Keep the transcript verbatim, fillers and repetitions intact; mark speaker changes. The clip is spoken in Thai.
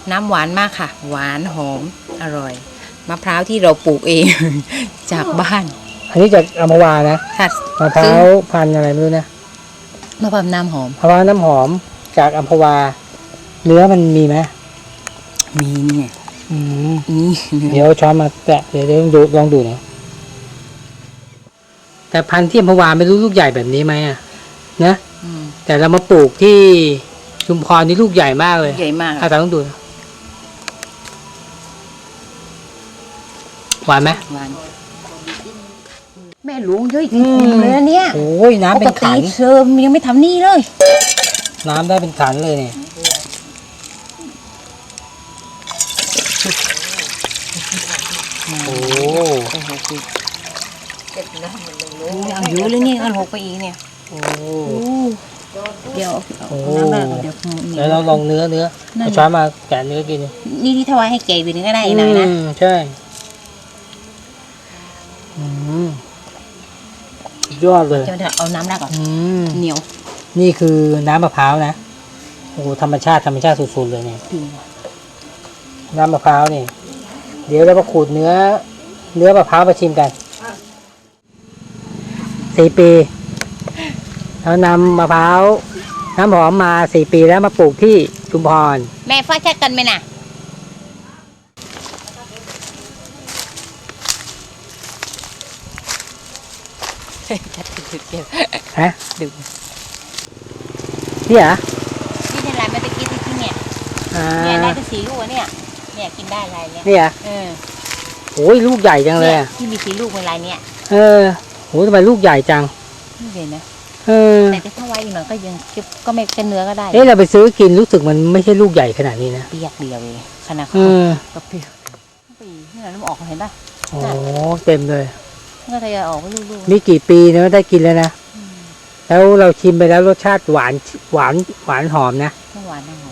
Speaker 1: น้ำหวานมากค่ะ หวานหอมอร่อยมะพร้าวที่เราปลูกเอง จากบ้าน
Speaker 2: อันนี้จากอัมพวานะ
Speaker 1: ค่ะ
Speaker 2: มะพร้าวพันธุ์อะไรไม่รู้นะ
Speaker 1: มะพร้าวน้ำหอม
Speaker 2: มะพร้าวน้ำหอมจากอัมพวาเนื้อมันมีไหม
Speaker 1: มีเนี่ย
Speaker 2: อืม
Speaker 1: นี่
Speaker 2: เดี๋ยวช้อนมาแตะเดี๋ยวเดี๋ยวลองดูลองดูหน่อยแต่พันธุ์ที่อัมพวาไม่รู้ลูกใหญ่แบบนี้ไหมอ่ะนะ
Speaker 1: อืม
Speaker 2: แต่เรามาปลูกที่ชุมพรนี่ลูกใหญ่มากเลย
Speaker 1: ใหญ่มาก
Speaker 2: อาจารย์ต้องดูนะหวานไหม
Speaker 1: หวานแม่หลวงเยอะจริงๆเลยนะเนี่ย
Speaker 2: โอ้ยน้ำ
Speaker 1: ป
Speaker 2: เป็
Speaker 1: ก
Speaker 2: น
Speaker 1: ติ
Speaker 2: ขัน
Speaker 1: เชิมยังไม่ทำนี่เลย
Speaker 2: น้ำได้เป็นขันเลยเนี่ยโอ้
Speaker 1: โอ้โหคือเอาอยู่เลยนี่เอาหกไปอีกเนี่ย
Speaker 2: โอ้
Speaker 1: เดี๋ยว
Speaker 2: โอ้
Speaker 1: น้ำแรกเดี๋ยว
Speaker 2: เดี๋ยวเราลองเนื้อเนื้อเอาช้อนมาแกะเนื้อกิน
Speaker 1: นี่ที่ถวายให้เก๋ไปนึงก็ได้อีกหน่อยนะ
Speaker 2: อืมใช่อืมสุดยอดเลย
Speaker 1: จะเอาน้ำแรกก่อน
Speaker 2: อืม
Speaker 1: เหนียว
Speaker 2: นี่คือน้ำมะพร้าวนะโอ้โหธรรมชาติธรรมชาติสุดๆเลยเนี่ย
Speaker 1: จริง
Speaker 2: น้ำมะพร้าวนี่เดี๋ยวเรามาขูดเนื้อ เนื้อมะพร้าวมาชิมกันสี่ปีเรานำมะพร้าวน้ำหอมมาสี่ปีแล้วมาปลูกที่ชุมพร
Speaker 1: แม่ฟ้าแช่กันไหมน่ะจัดถึงเก็บ
Speaker 2: ฮะ
Speaker 1: ดึง
Speaker 2: นี่เหรอ
Speaker 1: นี่ในร้านเมื่อกี้ที่ที่เนี่ย
Speaker 2: อ่า
Speaker 1: เนี่ยได้ทั้งสีลูกอะเนี่ยเนี่ยกินได้ลายเนี่ย
Speaker 2: นี่เหรอ
Speaker 1: เออ
Speaker 2: โอ้ยลูกใหญ่จังเลย
Speaker 1: เนี่ย
Speaker 2: อะ
Speaker 1: ที่มีสีลูกเป็นลายเนี่ย
Speaker 2: เออโหทำไมลูกใหญ่จัง
Speaker 1: นี่เลยนะ
Speaker 2: เออ
Speaker 1: แต่ถ้าไว้อีกหน่อยก็ยังเก็บก็ไม่เป็นเนื้อก็ได้
Speaker 2: เอ๊ะเราไปซื้อกินรู้สึกมันไม่ใช่ลูกใหญ่ขนาดนี้นะ
Speaker 1: เปียกเดียวเองขนาด
Speaker 2: เอ
Speaker 1: เขา
Speaker 2: อ
Speaker 1: ก็เปียกปีนี่เราน้ำออกเห็นป่ะ
Speaker 2: โอ้เต็มเลย
Speaker 1: ก็ทยอยออกไปลูกๆ
Speaker 2: นี่กี่ปีนะได้กินแล้วนะ แล้วเราชิมไปแล้วรสชาติหวานหวานหวานหอมนะ
Speaker 1: ทั้งหวานทั้งหอม